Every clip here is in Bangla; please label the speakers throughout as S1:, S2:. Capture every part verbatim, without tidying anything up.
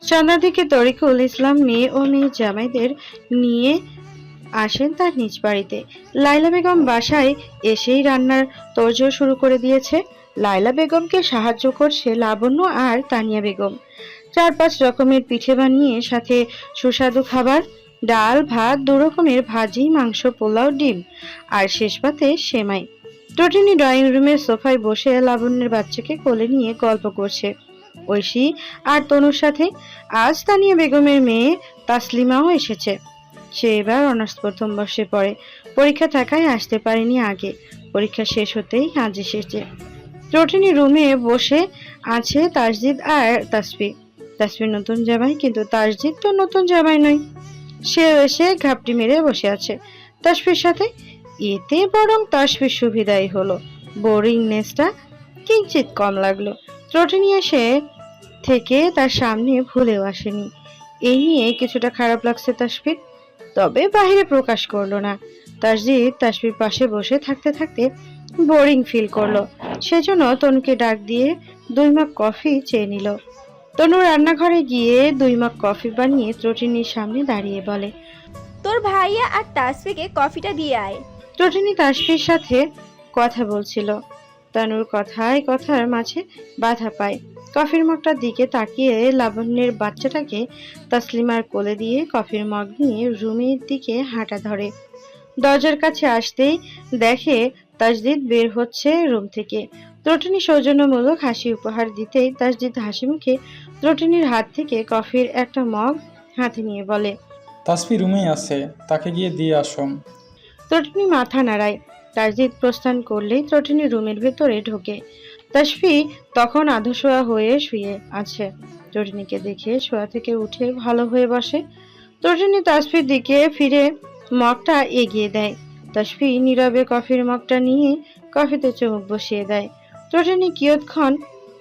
S1: সন্ধ্যার দিকে তরিকুল ইসলাম মেয়ে ও মেয়ে জামাইদের নিয়ে আসেন তার নিজ বাড়িতে। লাইলা বেগম বাসায় এসেই রান্নার তোড়জোড় শুরু করে দিয়েছে। লাইলা বেগমকে সাহায্য করছে লাবণ্য আর তানিয়া বেগম। চার পাঁচ রকমের পিঠে বানিয়ে সাথে সুস্বাদু খাবার, ডাল ভাত, দু রকমের ভাজি, মাংস, পোলাও, ডিম আর শেষ পাতে সেমাই। ত্রটিনি ড্রয়িং রুমের সোফায় বসে লাবণ্যের বাচ্চাকে কোলে নিয়ে গল্প করছে ঐশী আর তনুর সাথে। আজ তানিয়া বেগমের মেয়ে তাসলিমাও এসেছে। সে এবার অনার্স প্রথম বর্ষে পড়ে। পরীক্ষা থাকায় আসতে পারেনি আগে। পরীক্ষা শেষ হতেই আজ এসেছে। ত্রটিনি রুমে বসে আছে তাসজিদ আর তাসফি। তাসফির নতুন জামাই, কিন্তু তাসজিদ তো নতুন জামাই নয়। সে এসে ঘাপটি মেরে বসে আছে তাসফির সাথে। এতে বরং তাসফির সুবিধাই হলো, বোরিংনেসটা কিঞ্চিত কম লাগলো। ত্রটিনি এসে থেকে তার সামনে ভুলেও আসেনি। এই নিয়ে কিছুটা খারাপ লাগছে তাসফির, তবে বাহিরে প্রকাশ করলো না। তাসজিদ তাসফির পাশে বসে থাকতে থাকতে বোরিং ফিল করলো। সেজন্য তনুকে ডাক দিয়ে দুই মগ কফি চেয়ে নিল। তনু রান্নাঘরে গিয়ে দুই মগ কফি বানিয়ে ত্রটিনির সামনে দাঁড়িয়ে বলে,
S2: তোর ভাইয়া আর তাসফিকে কফিটা দিয়ে আয়।
S1: ত্রটিনি তাসফির সাথে কথা বলছিল। তনুর কথায় কথার মাঝে বাধা পায়। কফির মগটার দিকে তাকিয়ে লাবণ্যের বাচ্চাটাকে তাসলিমার কোলে দিয়ে কফির মগ নিয়ে রুমের দিকে হাঁটা ধরে। দরজার কাছে আসতেই দেখে তাসজিদ বের হচ্ছে রুম থেকে। ত্রটিনি সৌজন্যমূলক হাসি উপহার দিতেই তাসজিদ হাসি মুখে ত্রটিনির হাত থেকে কফির একটা মগ হাতে নিয়ে বলে,
S3: তাসফি রুমেই আছে, তাকে গিয়ে দিয়ে আসুন।
S1: ত্রটিনি মাথা নাড়ায়। তাসজিদ প্রস্থান করলেই ত্রটিনি রুমের ভেতরে ঢোকে। তাসফি তখন আধশোয়া হয়ে শুয়ে আছে। ত্রটিনিকে দেখে শোয়া থেকে উঠে ভালো হয়ে বসে। ত্রটিনি তাসফির দিকে ফিরে মগটা এগিয়ে দেয়। তাসফি নীরবে কফির মগটা নিয়ে কফিতে চুমুক বসিয়ে দেয়। ত্রটিনি কিয়ৎক্ষণ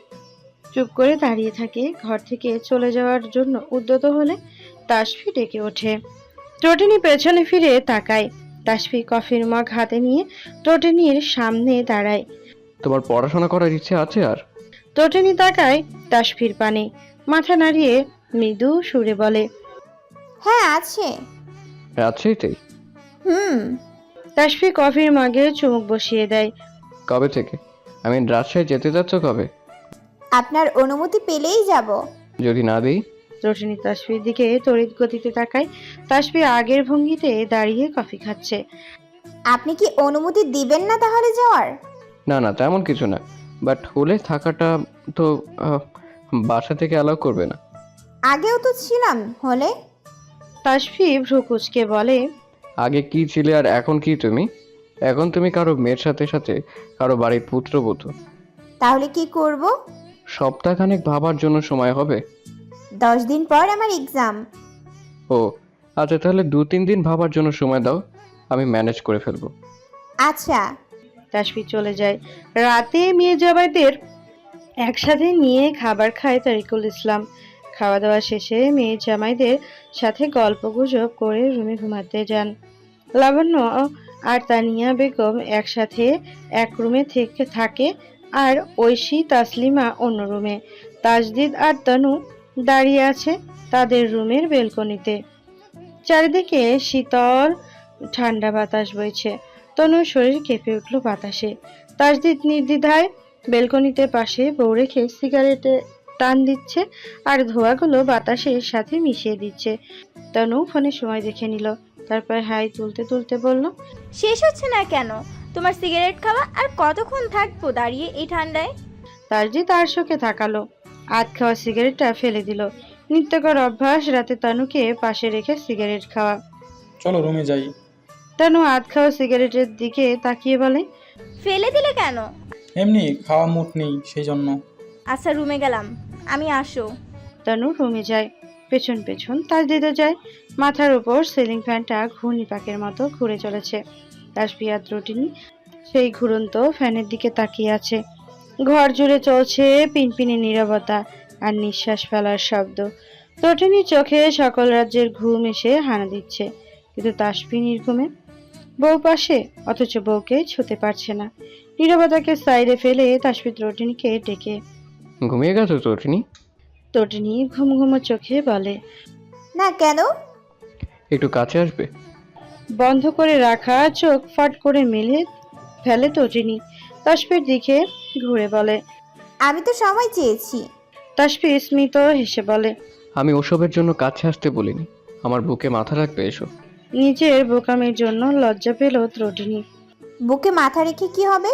S1: চুপ করে দাঁড়িয়ে থাকে। ঘর থেকে চলে যাওয়ার জন্য উদ্যত হলে তাসফি ডেকে ওঠে। ত্রটিনি পেছনে ফিরে তাকায়। তাসফি কফির মগ হাতে নিয়ে ত্রটিনির সামনে দাঁড়ায়।
S4: তোমার পড়াশোনা করার ইচ্ছে আছে আর?
S1: ত্রটিনি তাকায় তাসফির পানে, মাথা নাড়িয়ে মৃদু সুরে বলে,
S2: হ্যাঁ আছে।
S4: আছে এটাই?
S2: হুম।
S1: তাসফি কফির মগে চুমুক বসিয়ে দেয়।
S4: কবে থেকে? আমি রাজশাহী যেতে যাচ্ছ কবে?
S2: আপনার অনুমতি পেলেই যাব।
S4: যদি না দিই?
S1: ত্রটিনি তাসফির দিকে তড়িৎ গতিতে তাকায়। তাসফি আগের ভঙ্গিতে দাঁড়িয়ে কফি খাচ্ছে।
S2: আপনি কি অনুমতি দিবেন না তাহলে যাওয়ার?
S4: না না, তেমন কিছু না, বাট হলে থাকাটা তো আহ, বাসা থেকে অ্যালাউ করবে না।
S2: আগেও তো ছিলাম হলে।
S1: তাসফি ভ্রু কুঁচকে বলে,
S4: আগে কি ছিলে আর এখন কি তুমি? এখন তুমি কারো মেয়ের সাথে সাথে কারো বাড়ির পুত্রবধূ।
S2: তাহলে কি করব?
S4: সপ্তাহখানেক ভাবার জন্য সময় হবে।
S2: দশ দিন পর আমার এক্সাম।
S4: ও আচ্ছা, তাহলে দু তিন দিন ভাবার জন্য সময় দাও, আমি ম্যানেজ করে ফেলবো।
S2: আচ্ছা।
S1: তাসফি চলে যায়। রাতে মেয়ে জামাইদের একসাথে নিয়ে খাবার খায় তারিকুল ইসলাম। খাওয়া দাওয়া শেষে মেয়ে জামাইদের সাথে গল্প গুজব করে রুমে ঘুমাতে যান। লাবণ্য আর তানিয়া বেগম একসাথে এক রুমে থেকে থাকে, আর ঐশী তাসলিমা অন্য রুমে। তাসদিদ আর তনু দাঁড়িয়ে আছে তাদের রুমের বেলকনিতে। চারিদিকে শীতল ঠান্ডা বাতাস বইছে। তনুর শরীর কেঁপে উঠল বাতাসে। তাসদিদ নির্দ্বিধায় বেলকনিতে পাশে বউ রেখে সিগারেটে টান দিচ্ছে আর ধোঁয়াগুলো বাতাসের সাথে মিশিয়ে দিচ্ছে। তনু ফোনে সময় দেখে নিল, তারপর হাই তুলতে তুলতে বলল,
S2: শেষ হচ্ছে না কেন তোমার সিগারেট খাওয়া? আর কতক্ষণ থাকবো দাঁড়িয়ে এই ঠান্ডায়?
S1: তাসদিদ তার চোখে তাকালো, আধ খাওয়া সিগারেটটা ফেলে দিল। নিত্যকর অভ্যাস রাতে তনুকে পাশে রেখে সিগারেট খাওয়া।
S3: চলো রুমে যাই।
S1: তনু আধ খাওয়া সিগারেটের দিকে তাকিয়ে বলে,
S2: ফেলে দিলে কেন?
S3: এমনি খাওয়া মুড নেই সেই জন্য।
S2: আচ্ছা রুমে গেলাম, আমি আসো।
S1: তনু রুমে যায়। পেছন পেছন তাসদিদও যায়। মাথার উপর সিলিং ফ্যানটা ঘূর্ণিপাকের মতো ঘুরে চলেছে। তাসফি আর ত্রটিনি সেই ঘুরন্ত ফ্যানের দিকে তাকিয়ে আছে। ঘর জুড়ে চলছে পিনপিনে নীরবতা আর নিঃশ্বাস ফেলার শব্দ। ত্রটিনির চোখে সকল রাজ্যের ঘুম এসে হানা দিচ্ছে, কিন্তু তাসফি নির্ঘুমে। বউ পাশে, অথচ বউকে ছুতে পারছে না। নীরবতাকে সাইডে ফেলে তাসফি ত্রটিনিকে ডেকে,
S4: ঘুমিয়ে গেছো ত্রটিনি?
S1: তটিনী ঘুম ঘুমো চোখে বলে।
S2: না কেন?
S4: একটু কাছে আসবে?
S1: বন্ধ করে রাখা চোখ ফাট করে মেলে ফেলে তটিনী। তাসফির দিকে ঘুরে বলে।
S2: আমি তো সময় চেয়েছি।
S1: তাসফি স্মিত হেসে বলে।
S4: আমি ওসবের জন্য কাছে আসতে বলিনি। আমার বুকে মাথা রাখবে এসো।
S1: নিজের বোকামির জন্য লজ্জা পেল তটিনী।
S2: বুকে মাথা রেখে কি হবে?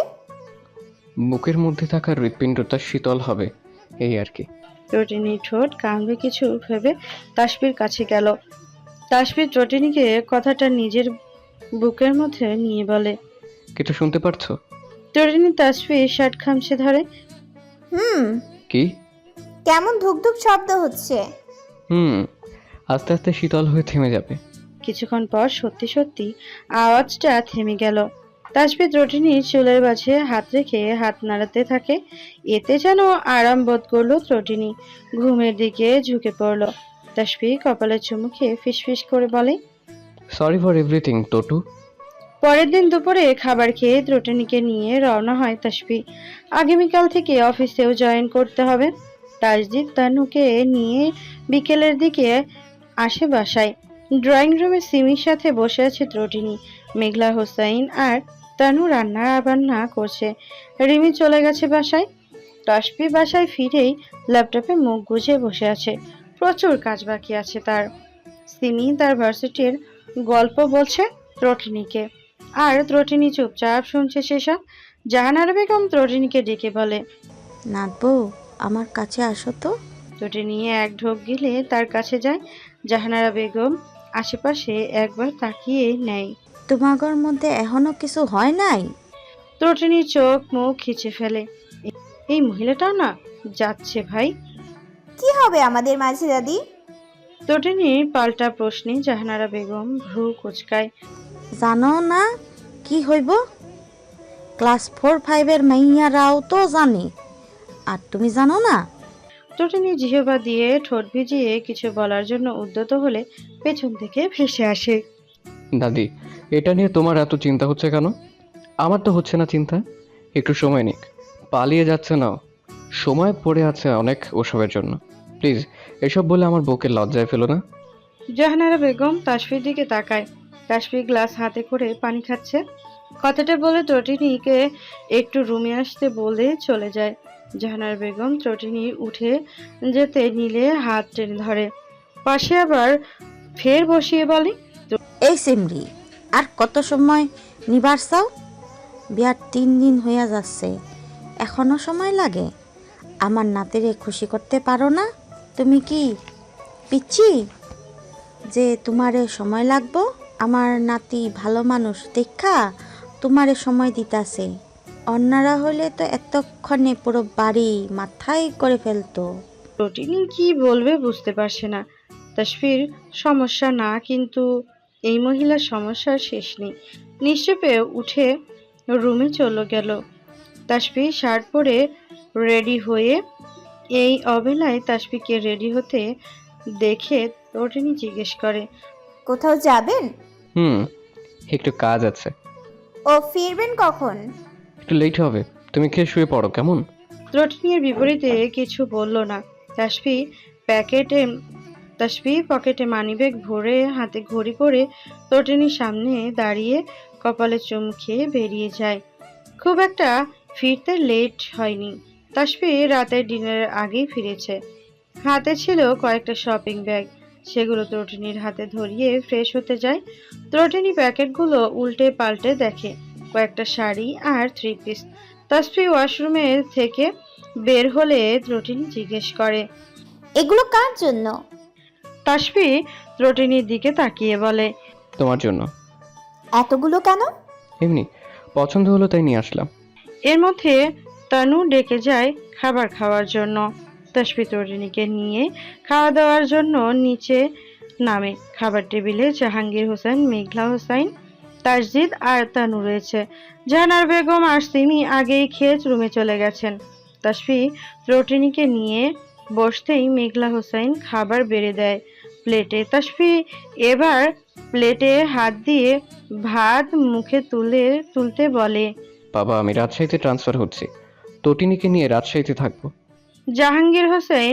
S4: বুকের মধ্যে থাকা হৃৎপিণ্ডটা শীতল হবে, এই আর কি।
S1: তটিনী ঠোঁট কামড়ে কিছু ভেবে তাসফির কাছে গেল। তাসফির তটিনীকে কথাটা নিজের বুকের মধ্যে নিয়ে বলে।
S4: কিছু শুনতে পারছো?
S1: তটিনী তাসফির শার্ট খামছে ধরে।
S2: হুম।
S4: কি?
S2: কেমন ধুকধুক শব্দ হচ্ছে।
S4: হুম, আস্তে আস্তে শীতল হয়ে থেমে যাবে।
S1: কিছুক্ষণ পর সত্যি সত্যি আওয়াজটা থেমে গেল। তাসফি ত্রটিনীর চুলের মাঝে হাত রেখে হাত নাড়াতে থাকে। এতে যেন আরাম বোধ করলো ত্রটিনী। ঘুমের দিকে ঝুঁকে পড়ল। তাসফি কপালে চুমু খেয়ে ফিসফিস করে বলে।
S4: সরি ফর এভরিথিং টটু।
S1: পরের দিন দুপুরে খাবার খেয়ে ত্রটিনীকে নিয়ে রওনা হয় তাসফি। আগামীকাল থেকে অফিসেও জয়েন করতে হবে। তাসজিদ তানুকে নিয়ে বিকেলের দিকে আসে বাসায়। ড্রয়িং রুমে সিমির সাথে বসে আছে ত্রটিনী। মেঘলা হোসাইন আর তানু রান্না বান্না করছে। রিমি চলে গেছে বাসায়। তাসফি বাসায় ফিরেই ল্যাপটপে মুখ গুজে বসে আছে। প্রচুর কাজ বাকি আছে তার। সিমি তার ভার্সিটির গল্প বলছে ত্রটিনীকে, আর ত্রটিনী চুপচাপ শুনছে সেসব। জাহানারা বেগম ত্রটিনীকে ডেকে বলে।
S5: নাতবু, আমার কাছে আসো তো।
S1: ত্রটিনী এক ঢোক গিলে তার কাছে যায়। জাহানারা বেগম আশেপাশে একবার তাকিয়ে নেয়।
S5: তোমাগর মধ্যে এখনো কিছু হয় নাই?
S1: ত্রটিনী চোখ মুখ খিচে ফেলে। এই মহিলাটাও না যাচ্ছে ভাই।
S2: কি হবে আমাদের মাঝে দাদি?
S1: ত্রটিনীর পাল্টা প্রশ্নে জাহানারা বেগম ভ্রু কুচকায়।
S5: জানো না কি হইব? ক্লাস ফোর ফাইভের মাইয়ারাও তো জানে, আর তুমি জানো না?
S1: ত্রটিনী জিহবা দিয়ে ঠোঁট ভিজিয়ে কিছু বলার জন্য উদ্যত হলে পেছন থেকে ভেসে আসে।
S4: দাদি, এটা নিয়ে তোমার এত চিন্তা হচ্ছে কেন? আমার তো হচ্ছে না চিন্তা। একটু সময় নিক। পালিয়ে যাচ্ছে না, সময় পড়ে আছে অনেক ওসবের জন্য। প্লিজ এসব বলে আমার বুকে লজ্জায় ফেলো না।
S1: জাহানারা বেগম তাসফির দিকে তাকায়। তাসফি গ্লাস হাতে করে পানি খাচ্ছে। কথাটা বলে ত্রটিনীকে একটু রুমে আসতে বলে চলে যায়। জাহানারা বেগম ত্রটিনী উঠে যেতে নিলে হাত টেনে ধরে। পাশে আবার ফের বসিয়ে বলে।
S5: এই সিমরি, আর কত সময় নিবার চাও? বিয়ার তিন দিন হইয়া যাচ্ছে, এখনো সময় লাগে? আমার নাতিরে খুশি করতে পারো না? তুমি কি পিচ্ছি যে তোমারে সময় লাগবো? আমার নাতি ভালো মানুষ দেখা তোমারে সময় দিতাছে। অন্যরা হলে তো এতক্ষণে পুরো বাড়ি মাথায় করে ফেলতো।
S1: ত্রটিনী কি বলবে বুঝতে পারছে না। তাসফির সমস্যা না, কিন্তু এই মহিলার সমস্যার শেষ নেই। নিশ্চেপে উঠে রুমে চলে গেল। তাসফি শার্ট পরে রেডি হয়ে, এই অবেলায় তাসফিকে রেডি হতে দেখে ত্রটিনী জিজ্ঞেস করে।
S2: কোথাও যাবেন?
S4: হুম, একটু কাজ আছে।
S2: ও ফিরবেন কখন?
S4: একটু লেট হবে, তুমি খেয়ে শুয়ে পড়ো কেমন?
S1: ত্রটিনীর বিপরীতে কিছু বলল না। তাসফি প্যাকেটে তাসফি পকেটে মানিব্যাগ ভরে হাতে ঘড়ি পরে ত্রটিনীর সামনে দাঁড়িয়ে কপালে চুম খেয়ে বেরিয়ে যায়। খুব একটা ফিরতে লেট হয়নি। তাসফি রাতের ডিনারের আগেই ফিরেছে। হাতে ছিল কয়েকটা শপিং ব্যাগ। সেগুলো ত্রটিনীর হাতে ধরিয়ে ফ্রেশ হতে যায়। ত্রটিনী প্যাকেটগুলো উল্টে পাল্টে দেখে। কয়েকটা শাড়ি আর থ্রি পিস। তাসফি ওয়াশরুমে থেকে বের হলে ত্রটিনী জিজ্ঞেস করে।
S2: এগুলো কার জন্য?
S1: তাসফি ত্রটিনীর দিকে তাকিয়ে বলে।
S4: তোমার জন্য।
S2: এতগুলো কেন?
S4: এমনি পছন্দ হলো তাই নিয়ে আসলাম।
S1: এর মধ্যে তানু ডেকে যায় খাবার খাওয়ার জন্য। তাসফি ত্রটিনীকে নিয়ে খাওয়া দাওয়ার জন্য নিচে নামে। খাবার টেবিলে জাহাঙ্গীর হোসেন, মেঘলা হোসাইন, তাসজিদ আর তানু রয়েছে। জাহানার বেগম আর সিমি আগেই খেয়ে রুমে চলে গেছেন। তাসফি ত্রটিনীকে নিয়ে বসতেই মেঘলা হোসাইন খাবার বেড়ে দেয় প্লেটে। তাসফি এবার প্লেটে হাত দিয়ে ভাত মুখে তুলে তুলতে বলে।
S4: বাবা, আমি রাজশাহীতে ট্রান্সফার হচ্ছি, তটিনীকে নিয়ে রাজশাহীতে থাকবো।
S1: জাহাঙ্গীর হোসেন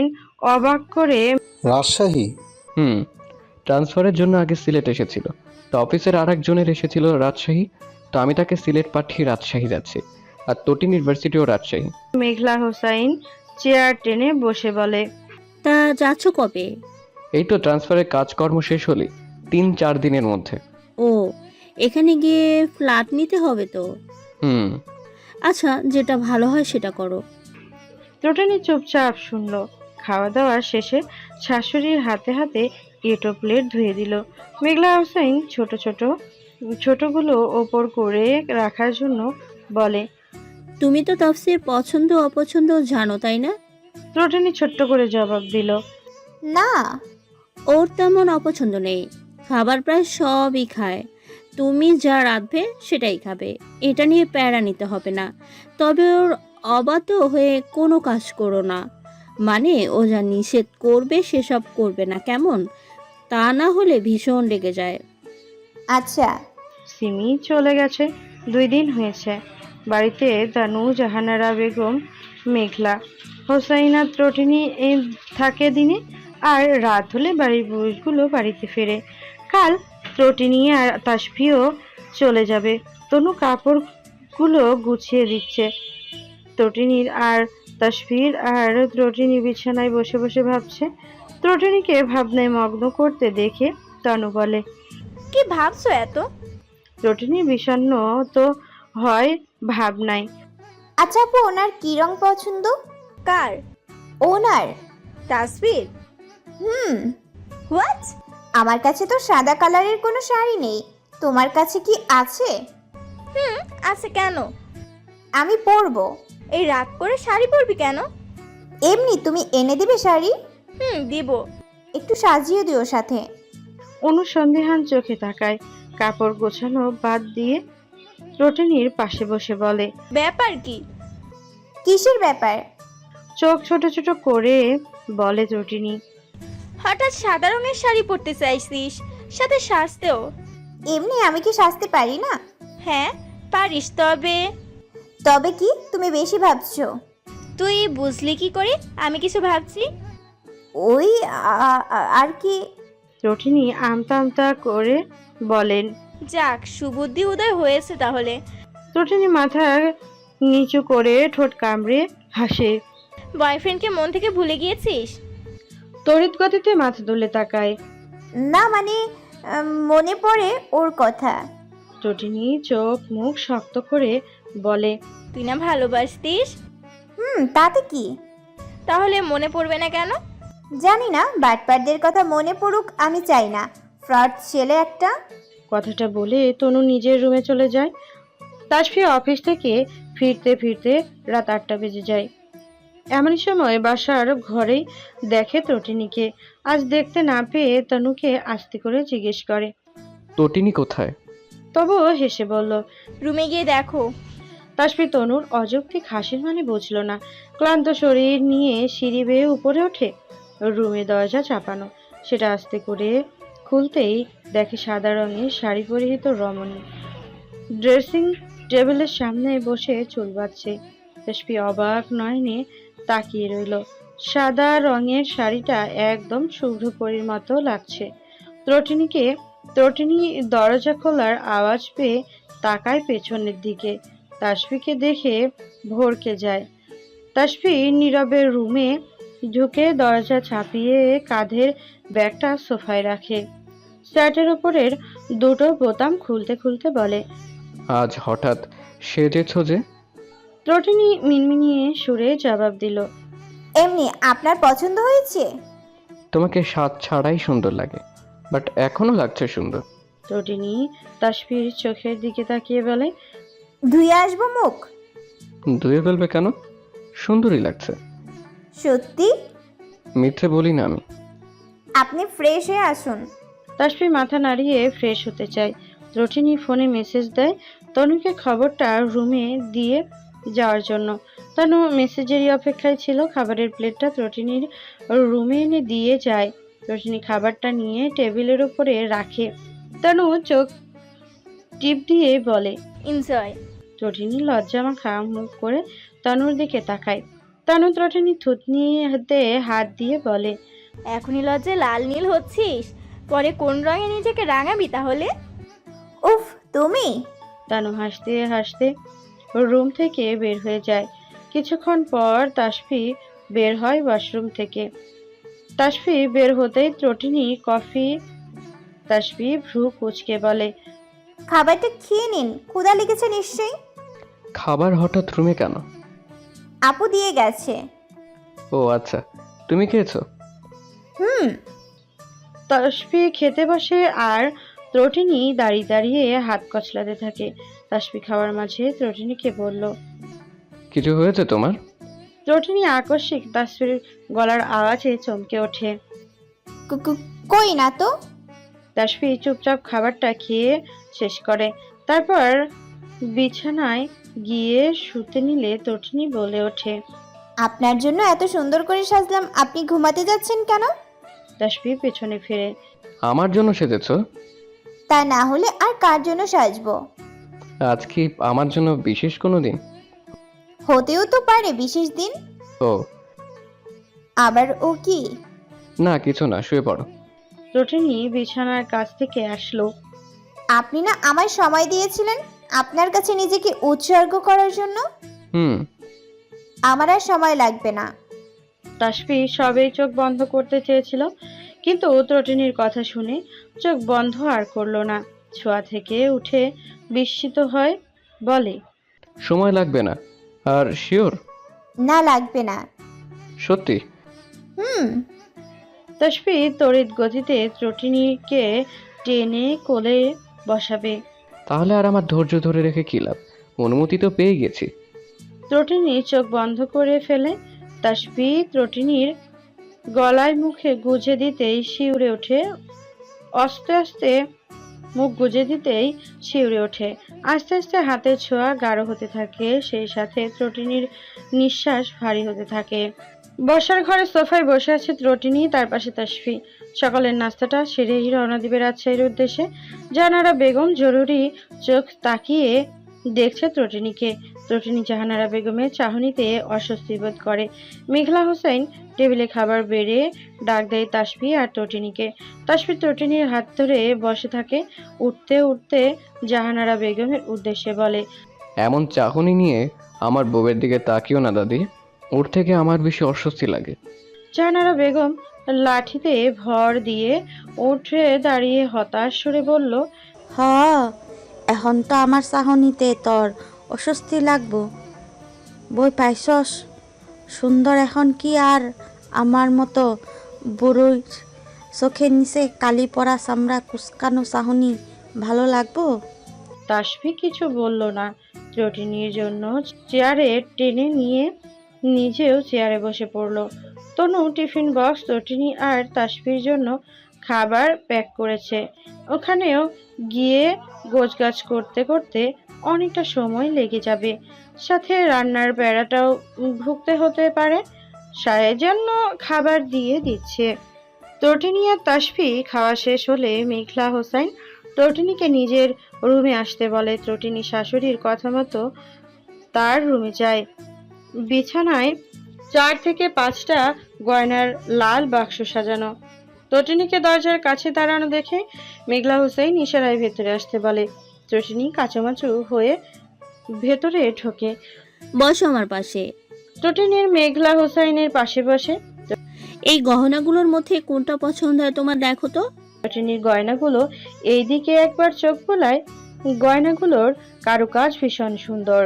S1: অবাক করে
S6: রাজশাহী?
S4: হুম, ট্রান্সফারের জন্য আগে সিলেট এসেছিল, তো অফিসের আর একজনের এসেছিল রাজশাহী, তো আমি তাকে সিলেট পাঠিয়ে রাজশাহী যাচ্ছি। আর তটিন ইউনিভার্সিটিও রাজশাহী।
S1: মেঘলা হোসাইন চেয়ার টেনে বসে বলে।
S7: তা যাচ্ছ কবে?
S4: এই তো ট্রান্সফারের কাজকর্ম শেষ হলি তিন চার দিনের মধ্যে।
S7: ও, এখানে গিয়ে ফ্ল্যাট নিতে হবে তো।
S4: হুম।
S7: আচ্ছা, যেটা ভালো হয় সেটা করো।
S1: ত্রটিনি চুপচাপ শুনলো। খাওয়া দাওয়া শেষে শাশুড়ির হাতে হাতে এটো প্লেট ধুয়ে দিল। মেঘলা হোসাইন ছোট ছোট ছোটগুলো ওপর করে রাখার জন্য বলে।
S7: তুমি তো তাফসীর পছন্দ অপছন্দ জানো, তাই না?
S1: ত্রটিনি ছোট্ট করে জবাব দিল।
S5: না,
S7: ওর তেমন অপছন্দ নেই, খাবার প্রায় সবই খায়। তুমি যা রাঁধবে সেটাই খাবে, এটা নিয়ে প্যারা নিতে হবে না। তবে ওর অবাধ্য হয়ে কোনো কাজ করো না, মানে ও যা নিষেধ করবে সেসব করবে না, কেমন? তা না হলে ভীষণ রেগে যায়।
S5: আচ্ছা।
S1: সিমি চলে গেছে, দুই দিন হয়েছে। বাড়িতে তানু, জাহানারা বেগম, মেঘলা হোসাইনা ত্রটিনি এই থাকে দিনে, আর রাত হলে বাড়ির পুরুষগুলো বাড়িতে ফেরে। কাল ত্রটিনি আর তাসফিও চলে যাবে। তনু কাপড়গুলো গুছিয়ে দিচ্ছে। ত্রটিনির আর তাসফির আর ত্রটিনি বিছানায় বসে বসে ভাবছে। ত্রটিনিকে ভাবনায় মগ্ন করতে দেখে তনু বলে।
S2: কি ভাবছো এত?
S1: ত্রটিনি বিষণ্ণ তো হয় ভাবনায়।
S5: আচ্ছা আপু, ওনার কি রং পছন্দ?
S2: কার?
S5: ওনার?
S2: তাসফির?
S5: হুম।
S2: হোয়াট?
S5: আমার কাছে তো সাদা কালারের কোনো শাড়ি নেই, তোমার কাছে কি আছে?
S2: হুম, আছে। কেন?
S5: আমি পরবো।
S2: এই রাগ করে শাড়ি পরবি কেন?
S5: এমনি তুমি এনে দিবে শাড়ি?
S2: হুম, দিব।
S5: একটু সাজিয়ে দিও সাথে।
S1: অনুসন্দেহান চোখে তাকায়। কাপড় গোছানো বাদ দিয়ে ত্রটিনির পাশে বসে বলে।
S2: ব্যাপার কি?
S5: কিসের ব্যাপার?
S1: চোখ ছোট ছোট করে বলে ত্রটিনি।
S2: হঠাৎ সাদা রঙের শাড়ি পরতে চাইছিস, সাথে সাজতেও?
S5: এমনি আমি কি সাজতে পারি না?
S2: হ্যাঁ পারিস, তবে
S5: তবে কি? তুমি বেশি ভাবছো।
S2: তুই বুঝলি কি করে আমি কিছু ভাবছি?
S5: ওই আ- আ- আর কি।
S1: ত্রটিনি আমতা আমতা করে বলেন।
S2: যাক, সুবুদ্ধি উদয় হয়েছে তাহলে।
S1: ত্রটিনি মাথা নিচু করে ঠোঁট কামড়ে হাসে।
S2: বয়ফ্রেন্ডকে মন থেকে ভুলে গিয়েছিস?
S1: তড়িৎ গতিতে মাথা তুলে তাকায়।
S5: না মানে উম, মনে পড়ে ওর কথা।
S1: ত্রটিনি চোখ মুখ শক্ত করে বলে।
S2: তুই না ভালোবাসতিস?
S5: হুম, তাতে কি?
S2: তাহলে মনে পড়বে না কেন?
S5: জানি না, বাটপারদের কথা মনে পড়ুক আমি চাই না। ফ্রড ছেলে একটা।
S1: কথাটা বলে তনু নিজের রুমে চলে যায়। তাসফি অফিস থেকে ফিরতে ফিরতে রাত আটটা বেজে যায়। এমন সময় বাসার ঘরেই দেখে ত্রটিনিকে। আজ দেখতে না পেয়ে তনুকে আস্তে করে জিজ্ঞেস করে।
S4: তটিনী কোথায়?
S1: তবুও হেসে বলল।
S2: রুমে গিয়ে দেখো।
S1: তাসফি তনুর অযৌক্তিক হাসির মানে বুঝল না। ক্লান্ত শরীর নিয়ে সিঁড়ি বেয়ে উপরে ওঠে। রুমে দরজা চাপানো, সেটা আস্তে করে খুলতেই দেখে সাদা রঙের শাড়ি পরিহিত রমণী ড্রেসিং টেবিলের সামনে বসে চুল বাঁধছে। তাসফি অবাক নয়নে তাকিয়ে রইল। সাদা রঙের শাড়িটা একদম শুভ্রপরীর মতো লাগছে। ত্রটিনিকে ত্রটিনি দরজা খোলার আওয়াজ পেয়ে তাকায় পেছনের দিকে। তাসফিকে দেখে ভড়কে যায়। তাসফি নীরবে রুমে ঢুকে দরজা চাপিয়ে কাঁধের ব্যাগটা সোফায় রাখে। শার্টের উপরের দুটো বোতাম খুলতে খুলতে বলে।
S4: আজ হঠাৎ সেজেছ যে?
S1: ত্রটিনি মিনমিনিয়ে সুরে জবাব দিল।
S5: এমনি আপনার পছন্দ হয়েছে?
S4: তোমাকে স্বাদ ছাড়াই সুন্দর লাগে, বাট এখনো লাগছে সুন্দর।
S1: ত্রটিনি তাসফির চোখের দিকে তাকিয়ে বলে।
S5: ধুয়ে আসবো মুখ?
S4: ধুয়ে ফেলবে কেন? সুন্দরই লাগছে।
S5: সত্যি?
S4: মিথ্যে বলি না আমি।
S5: আপনি ফ্রেশ হয়ে আসুন।
S1: তাসফি মাথা নাড়িয়ে ফ্রেশ হতে চায়। ত্রটিনি ফোনে মেসেজ দেয় তনুকে খবরটা রুমে দিয়ে যাওয়ার জন্য। তনু মেসেজেরই অপেক্ষায় ছিল। খাবারের প্লেটটা ত্রটিনির রুমে এনে দিয়ে যায়। ত্রটিনি খাবারটা নিয়ে টেবিলের উপরে রাখে। তনু চোখ টিপ দিয়ে বলে।
S2: এনজয়।
S1: ত্রটিনি লজ্জা মাখা মুখ করে তনুর দিকে তাকায়। তানু ত্রটিনি থুতনিতে হাত দিয়ে বলে,
S2: এখনই লজ্জায় লাল নীল হচ্ছিস, পরে কোন রঙে নিজেকে রাঙাবি তাহলে? উফ, তুমি?
S1: তানু হাসতে হাসতে রুম থেকে বের হয়ে যায়। কিছুক্ষণ পর তাসফি বের হয় ওয়াশরুম থেকে। তাসফি বের হতেই ত্রটিনি কফি। তাসফি ভ্রু কুঁচকে বলে,
S2: খাবারটা খেয়ে নিন, ক্ষুধা লেগেছে নিশ্চয়ই।
S4: খাবার হঠাৎ রুমে কেন?
S2: আপু দিয়ে গেছে।
S4: ও আচ্ছা, তুমি খেয়েছো?
S2: হুম।
S1: তাসফি খেতে বসে আর ত্রটিনি দাঁড়িয়ে দাঁড়িয়ে হাত কচলাতে থাকে। তাসফি খাওয়ার মাঝে ত্রটিনিকে বলল,
S4: কিছু হয়েছে তোমার?
S1: ত্রটিনি আকস্মিক তাসফির গলার আওয়াজে চমকে ওঠে।
S2: কু- কু- কই না তো।
S1: তাসফি চুপচাপ খাবারটা খেয়ে শেষ করে। তারপর বিছানায় গিয়ে শুতে নিলে ত্রটিনি বলে ওঠে,
S2: আপনার জন্য এত সুন্দর করে সাজলাম, আপনি ঘুমাতে যাচ্ছেন কেন?
S1: তাসফি পেছনে ফিরে,
S4: আমার জন্য সেজেছো?
S2: তা না হলে আর কার জন্য সাজবো?
S4: আজ কি আমার জন্য বিশেষ কোনো দিন?
S2: হতেও তো পারে বিশেষ দিন।
S4: ও
S2: আবার ও কি?
S4: না, কিছু না, শুয়ে পড়ো।
S1: ত্রটিনি বিছানার কাছ থেকে আসলো।
S2: আপনি না আমায় সময় দিয়েছিলেন আপনার কাছে নিজেকে উৎসর্গ করার জন্য।
S4: হুম।
S2: আমার আর সময় লাগবে না।
S1: তাসফি সবেই চোখ বন্ধ করতে চেয়েছিল, কিন্তু ত্রটিনির কথা শুনে চোখ বন্ধ আর করলো না। ছোঁয়া থেকে উঠে বিস্মিত হয়, বলে,
S4: সময় লাগবে না। আর শিওর?
S2: না, লাগবে না।
S4: সত্যি?
S2: হুম।
S1: তাসফি তড়িৎ গতিতে ত্রটিনিকে টেনে কোলে বসাবে।
S4: তাহলে আর আমার ধৈর্য ধরে রেখে কি লাভ? অনুমতি তো পেয়ে গেছি।
S1: ত্রটিনি চোখ বন্ধ করে ফেলে। তাসফি ত্রটিনির গলায় মুখে গুজে দিতেই শিউরে ওঠে। আস্তে আস্তে মুখ গুজে দিতেই শিউরে ওঠে। আস্তে আস্তে হাতের ছোঁয়া গাঢ় হতে থাকে, সেই সাথে ত্রটিনির নিঃশ্বাস ভারী হতে থাকে। বসার ঘরে সোফায় বসে আছে ত্রটিনি, তার পাশে তাসফি। সকালের নাস্তাটা সেরেই রওনা দিবে রাজশাহীর উদ্দেশ্যে। জাহানারা বেগম জরুরি চোখ তাকিয়ে দেখছে ত্রটিনিকে। ত্রটিনি জাহানারা বেগমের চাহনিতে অস্বস্তি বোধ করে। মেঘলা হোসেন টেবিলে খাবার বেড়ে ডাক দেয় তাসফি আর ত্রটিনিকে। তাসফি ত্রটিনির হাত ধরে বসে থাকে। উঠতে উঠতে জাহানারা বেগমের উদ্দেশ্যে বলে,
S4: এমন চাহনি নিয়ে আমার বউয়ের দিকে তাকিও না দাদি, ওর থেকে আমার বেশি অস্বস্তি লাগে।
S1: জাহানারা বেগম লাঠিতে ভর দিয়ে উঠে দাঁড়িয়ে হতাশ সুরে বলল,
S5: হ, এখন তো আমার চাহনিতে তোর অস্বস্তি লাগবো। বই পাইছস সুন্দর, এখন কি আর আমার মতো বুড়োই চোখের নিচে কালি পড়া চামড়া কুচকানো চাহনি ভালো লাগবো?
S1: তাসফি কিছু বলল না। ত্রটিনির জন্য চেয়ারে টেনে নিয়ে নিজেও চেয়ারে বসে পড়ল। তনু টিফিন বক্স ত্রটিনি আর তাসফির জন্য খাবার প্যাক করেছে। ওখানেও গিয়ে গোছগাছ করতে করতে অনেকটা সময় লেগে যাবে, সাথে রান্নার বেড়াটাও ভুগতে হতে পারে। সায়ের জন্য খাবার দিয়ে দিচ্ছে। ত্রটিনি আর তাসফি খাওয়া শেষ হলে মেঘলা হোসেন ত্রটিনিকে নিজের রুমে আসতে বলে। ত্রটিনি শাশুড়ির কথা মতো তার রুমে যায়। বিছানায় চার থেকে পাঁচটা গয়নার লাল বাক্স সাজানো। ত্রটিনিকে দরজার কাছে দাঁড়ানো দেখে মেঘলা হোসেন ইশারায় ভেতরে আসতে বলে। ত্রটিনি কাঁচামাচু হয়ে ভেতরে ঢোকে।
S7: বসো আমার পাশে।
S1: ত্রটিনির মেঘলা হোসেনের পাশে বসে।
S7: এই গহনাগুলোর মধ্যে কোনটা পছন্দ হয় তোমার, দেখো তো।
S1: ত্রটিনির গয়নাগুলো এইদিকে একবার চোখ বোলায়। গয়নাগুলোর কারুকাজ ভীষণ সুন্দর।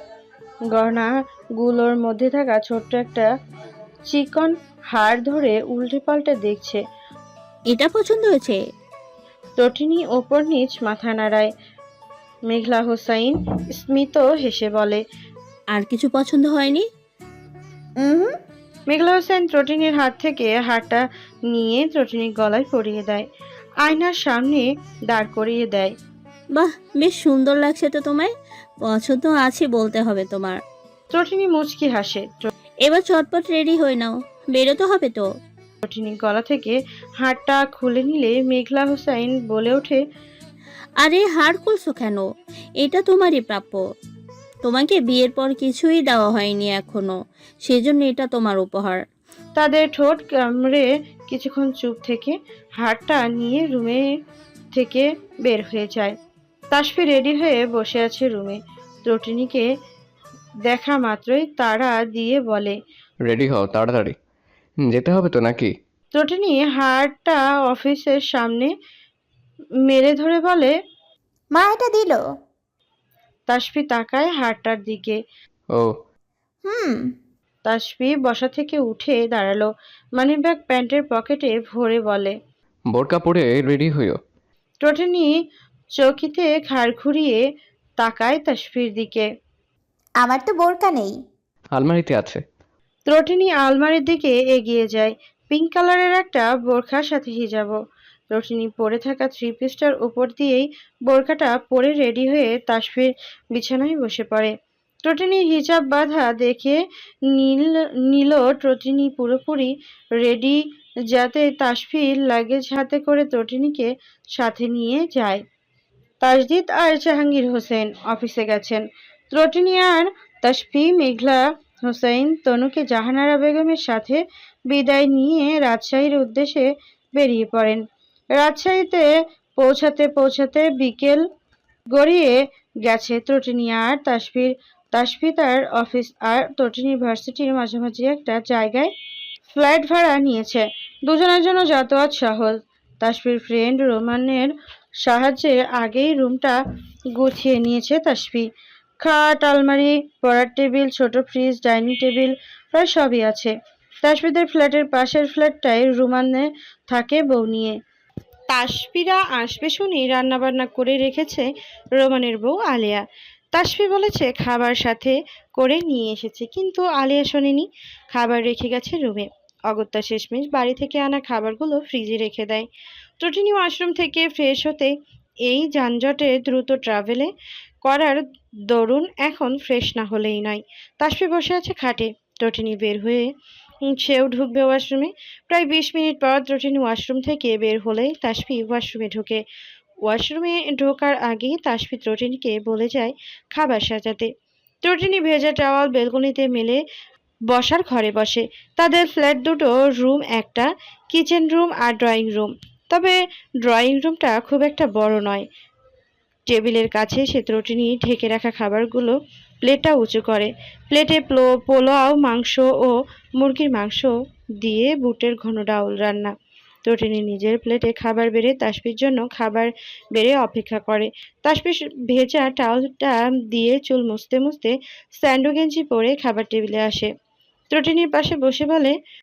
S1: গয়নাগুলোর মধ্যে থাকা ছোট্ট একটা চিকন হাড় ধরে উল্টে পাল্টে দেখছে।
S7: এটা পছন্দ হয়েছে?
S1: ত্রটিনি ওপর নিচ মাথা নাড়ায়। মেঘলা হোসাইন স্মিত হেসে বলে,
S7: আর কিছু পছন্দ হয়নি?
S2: হুম।
S1: মেঘলা হোসেন ত্রটিনির হাত থেকে হাড়টা নিয়ে ত্রটিনির গলায় পরিয়ে দেয়, আয়নার সামনে দাঁড় করিয়ে দেয়।
S7: বাহ, বেশ সুন্দর লাগছে তো তোমায়। পছন্দ আছে বলতে হবে তোমার।
S1: ত্রটিনি মুচকি হাসে।
S7: এবার চটপট রেডি হয়ে নাও, বেরোতে হবে তো।
S1: ত্রটিনির গলা থেকে হাড়টা খুলে নিলে মেঘলা হোসাইন বলে ওঠে,
S7: আরে হার খুলছো কেন? এটা তোমারই প্রাপ্য। তোমাকে বিয়ের পর কিছুই দেওয়া হয়নি এখনো, সেজন্য এটা তোমার উপহার।
S1: তাদের ঠোঁট কামড়ে কিছুক্ষণ চুপ থেকে হারটা নিয়ে রুমে থেকে বের হয়ে যায়। তাসফি রেডি হয়ে বসে আছে রুমে। ত্রটিনীকে দেখা মাত্রই তাড়া দিয়ে বলে।
S4: রেডি হও তাড়াতাড়ি, যেতে হবে তো নাকি?
S1: ত্রটিনী হারটা অফিসের সামনে মেরে ধরে বলে।
S2: মা এটা দিল।
S1: তাসফি তাকায় হারটার দিকে।
S4: ও
S2: হুম।
S1: তাসফি বসা থেকে উঠে দাঁড়ালো, মানিব্যাগ প্যান্টের পকেটে ভরে বলে।
S4: বোরকা পরে রেডি হইও।
S1: ত্রটিনী চৌকিতে ঘাড় ঘুরিয়ে তাকায় তাসফির দিকে।
S2: আমার তো বোরকা নেই।
S4: আলমারিতে আছে।
S1: ত্রটিনী আলমারির দিকে এগিয়ে যায়। পিঙ্ক কালারের একটা বোরখার সাথে হিজাবও। ত্রটিনী পরে থাকা থ্রি পিসটার উপর দিয়েই বোরখাটা পরে রেডি হয়ে তাসফির বিছানায় বসে পড়ে। ত্রটিনী হিজাব বাঁধা দেখে নীল নীল ত্রটিনী পুরোপুরি রেডি, যাতে তাসফির লাগেজ হাতে করে ত্রটিনীকে সাথে নিয়ে যায়। তাসদিদ আর জাহাঙ্গীর হোসেন অফিসে গেছেন। ত্রটিনী আর তাসফি মেঘলা হোসেন তনুকে জাহানারা বেগমের সাথে বিদায় নিয়ে রাজশাহীর উদ্দেশ্যে বেরিয়ে পড়েন। রাজশাহীতে পৌঁছাতে পৌঁছাতে বিকেল গড়িয়ে গেছে। ত্রটিনী আর তাসফির তাসফি তার অফিস আর ত্রটিনী ভার্সিটির মাঝামাঝি একটা জায়গায় ফ্ল্যাট ভাড়া নিয়েছে। দুজনের জন্য যাতায়াত সহজ। তাসফির ফ্রেন্ড রোমানের সাহায্যে আগেই রুমটা গুছিয়ে নিয়েছে তাসফি। খাট, আলমারি, পড়ার টেবিল, ছোট ফ্রিজ, ডাইনিং টেবিল প্রায় সবই আছে। তাসফিদের ফ্ল্যাটের পাশের ফ্ল্যাটটায় রুমানে থাকে বউ নিয়ে। তাসফিরা আসবে শুনেই রান্নাবান্না করে রেখেছে রোমানের বউ আলেয়া। তাসফি বলেছে খাবার সাথে করে নিয়ে এসেছে, কিন্তু আলেয়া শোনেনি। খাবার রেখে গেছে রুমে। অগত্যা শেষমেশ বাড়ি থেকে আনা খাবারগুলো ফ্রিজে রেখে দেয়। ত্রটিনী ওয়াশরুম থেকে ফ্রেশ হতে এই যানজটে দ্রুত ট্রাভেলে করার দরুন এখন ফ্রেশ না হলেই নয়। তাসফি বসে আছে খাটে। ত্রটিনী বের হয়ে উম, সেও ঢুকবে ওয়াশরুমে। প্রায় বিশ মিনিট পর ত্রটিনী ওয়াশরুম থেকে বের হলেই তাসফি ওয়াশরুমে ঢোকে। ওয়াশরুমে ঢোকার আগেই তাসফি ত্রটিনীকে বলে যায় খাবার সাজাতে। ত্রটিনী ভেজা টাওয়াল বেলকনিতে মেলে বসার ঘরে বসে। তাদের ফ্ল্যাট দুটো রুম, একটা কিচেন রুম আর ড্রয়িং রুম। তবে ড্রয়িং রুমটা খুব একটা বড় নয়। টেবিলের কাছে সে ত্রটিনী ঢেকে রাখা খাবারগুলো প্লেটটা উঁচু করে। প্লেটে প্লো পোলাও, মাংস ও মুরগির মাংস দিয়ে বুটের ঘন ডাউল রান্না। ত্রটিনী নিজের প্লেটে খাবার বেড়ে তাসফির জন্য খাবার বেড়ে অপেক্ষা করে। তাসফি ভেজা টাওয়ালটা দিয়ে চুল মুছতে মুছতে স্যান্ডো গেঞ্জি পরে খাবার টেবিলে আসে। ত্রটিনীর পাশে বসে বলে,